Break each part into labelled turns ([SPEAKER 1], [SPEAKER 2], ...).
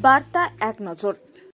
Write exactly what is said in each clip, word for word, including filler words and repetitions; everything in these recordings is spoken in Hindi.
[SPEAKER 1] বার্তা এক নজর।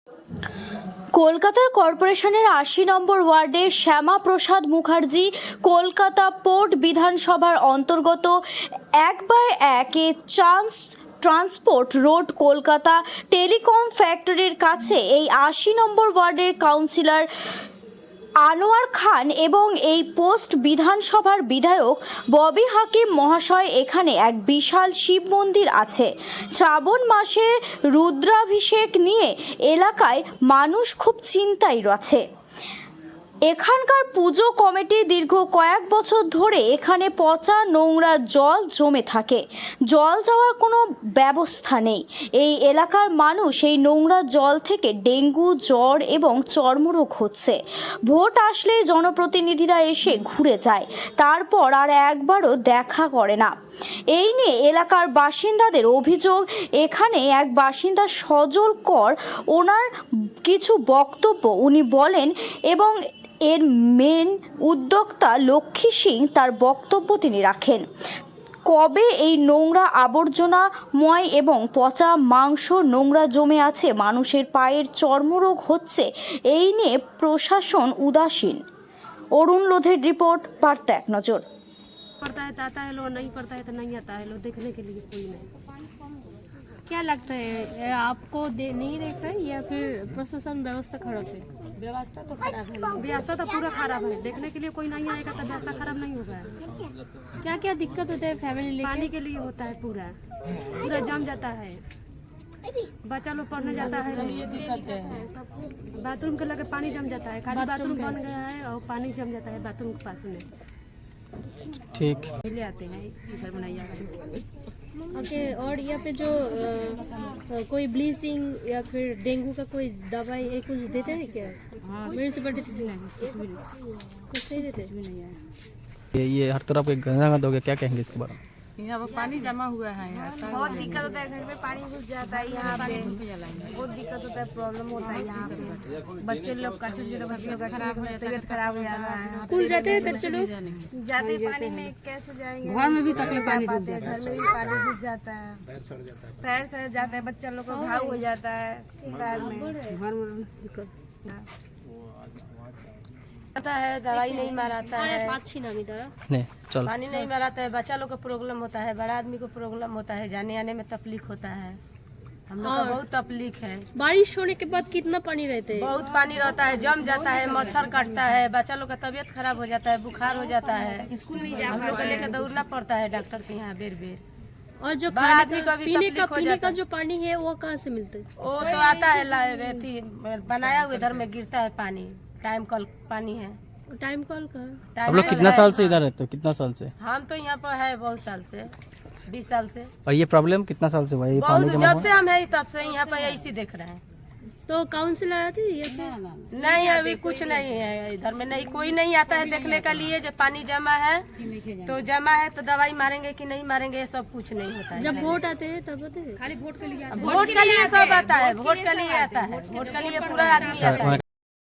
[SPEAKER 2] কলকাতার কর্পোরেশনের আশি নম্বর ওয়ার্ডে শ্যামা প্রসাদ মুখার্জি কলকাতা পোর্ট বিধানসভার অন্তর্গত এক বাই একে chance transport road Kolkata telecom ফ্যাক্টরির কাছে এই আশি নম্বর ওয়ার্ডের কাউন্সিলর আনোয়ার খান এবং এই পোস্ট বিধানসভার বিধায়ক ববি হাকিম মহাশয় এখানে এক বিশাল শিব মন্দির আছে। শ্রাবণ মাসে রুদ্রাভিষেক নিয়ে এলাকায় মানুষ খুব চিন্তায় আছে। এখানকার পুজো কমিটি দীর্ঘ কয়েক বছর ধরে এখানে পচা নোংরা জল জমে থাকে। জল যাওয়ার কোনো ব্যবস্থা নেই। এই এলাকার মানুষ এই নোংরা জল থেকে ডেঙ্গু, জ্বর এবং চর্মরোগ হচ্ছে। ভোট আসলে জনপ্রতিনিধিরা এসে ঘুরে যায়, তারপর আর একবারও দেখা করে না। এই নিয়ে এলাকার বাসিন্দাদের অভিযোগ, এখানে এক বাসিন্দা সজল কর ওনার কিছু বক্তব্য উনি বলেন এবং এর মেন উদ্যোক্তা লক্ষ্মী সিং তার বক্তব্য তিনি রাখেন। কবে এই নোংরা আবর্জনাময় এবং পচা মাংস নোংরা জমে আছে, মানুষের পায়ের চর্মরোগ হচ্ছে, এই নিয়ে প্রশাসন উদাসীন। অরুণ লোধের রিপোর্ট, বার্তা এক নজর।
[SPEAKER 3] पड़ता है तो आता है, लो नहीं पड़ता है तो नहीं आता है, लो देखने के लिए कोई नहीं। क्या लगता है, आपको दे नहीं देख रहे या फिर प्रशासन व्यवस्था खराब है?
[SPEAKER 4] व्यवस्था तो खराब है,
[SPEAKER 3] व्यवस्था तो पूरा खराब है। देखने के लिए कोई नहीं आएगा तो व्यवस्था खराब नहीं होगा। क्या क्या दिक्कत होता है फैमिली? पानी के लिए होता है, पूरा पूरा जम जाता है, बच्चा लोग पढ़ने जाता है,
[SPEAKER 4] ये दिक्कत है।
[SPEAKER 3] बाथरूम के लगे पानी जम जाता है, खाली बाथरूम बन गया है और पानी जम जाता है बाथरूम के पास में।
[SPEAKER 5] ठीक
[SPEAKER 3] ले आते हैं इधर बनाइए।
[SPEAKER 6] ओके, और यहाँ पे जो आ, आ, कोई ब्लीचिंग या फिर डेंगू का कोई दवाई ये कुछ देते हैं क्या?
[SPEAKER 3] हाँ,
[SPEAKER 6] म्यूनसिपलिटी
[SPEAKER 3] कुछ नहीं, कुछ भी नहीं,
[SPEAKER 6] कुछ नहीं देते?
[SPEAKER 3] कुछ भी नहीं है।
[SPEAKER 5] ये ये हर तरफ एक गंगा गंदा हो गया, क्या कहेंगे इसके बारे में?
[SPEAKER 4] यहाँ पर पानी जमा हुआ है यार,
[SPEAKER 1] बहुत दिक्कत होता है, घर में पानी घुस जाता है, यहाँ पे बहुत दिक्कत होता है, प्रॉब्लम होता है यहाँ पे। बच्चे लोग का छोटे छोटे बच्चों का खराब हो जाता है, तबीयत खराब हो जाता है।
[SPEAKER 6] स्कूल जाते हैं बच्चे लोग?
[SPEAKER 1] जाते पानी में कैसे जाएंगे?
[SPEAKER 3] घर में भी तकलीफ पानी
[SPEAKER 1] पाते हैं, घर में भी पानी घुस जाता है, पैर सड़ जाता है, बच्चा लोग को घाव हो जाता है पैर में।
[SPEAKER 3] घर में
[SPEAKER 4] आता है, दवाई नहीं माराता है,
[SPEAKER 6] पाँच नामी दादा
[SPEAKER 5] नहीं चल
[SPEAKER 4] पानी नहीं माराता है, बच्चा लोग को प्रॉब्लम होता है, बड़ा आदमी को प्रॉब्लम होता है, जाने आने में तकलीफ होता है। हम लोग को बहुत तकलीफ है।
[SPEAKER 6] बारिश होने के बाद कितना पानी रहते हैं?
[SPEAKER 4] बहुत पानी रहता है, जम जाता है, मच्छर काटता है, बच्चा लोग का तबीयत खराब हो जाता है, बुखार हो जाता है, स्कूल नहीं जा हम लोग को लेकर दौड़ना पड़ता है डॉक्टर के यहाँ बेर बेर।
[SPEAKER 6] और जो
[SPEAKER 4] बड़ा
[SPEAKER 6] खाने
[SPEAKER 4] आदमी
[SPEAKER 6] का
[SPEAKER 4] को भी
[SPEAKER 6] पीने का
[SPEAKER 4] तकलीफ हो
[SPEAKER 6] पीने
[SPEAKER 4] जाता
[SPEAKER 6] का
[SPEAKER 4] है।
[SPEAKER 6] जो पानी है वो कहाँ से मिलता है?
[SPEAKER 4] वो तो आता है ला- अथी बनाया हुआ, इधर में गिरता है पानी, टाइम कल पानी है।
[SPEAKER 6] टाइम कॉल का
[SPEAKER 4] टाइम
[SPEAKER 5] आप लोग
[SPEAKER 4] कल
[SPEAKER 5] कितना
[SPEAKER 4] है।
[SPEAKER 5] साल से इधर रहते हो, कितना साल से?
[SPEAKER 4] हम तो यहाँ पर है बहुत साल से, बीस साल से।
[SPEAKER 5] और ये प्रॉब्लम कितना साल से हुआ है, ये पानी
[SPEAKER 4] बहुत
[SPEAKER 5] जमा
[SPEAKER 4] जब
[SPEAKER 5] हुआ?
[SPEAKER 4] से हम है तब से यहाँ पर ऐसी देख रहे हैं।
[SPEAKER 6] तो काउंसिलर आती है या फिर?
[SPEAKER 4] नहीं, अभी कुछ नहीं है इधर में, नहीं कोई नहीं आता है देखने के लिए जब पानी जमा है तो जमा है तो दवाई मारेंगे कि नहीं मारेंगे, ये सब कुछ नहीं होता है।
[SPEAKER 6] जब वोट आते हैं तब होते हैं?
[SPEAKER 3] खाली वोट के लिए
[SPEAKER 4] वोट के लिए सब आता है, वोट के लिए आता है, वोट के लिए पूरा आदमी आता है।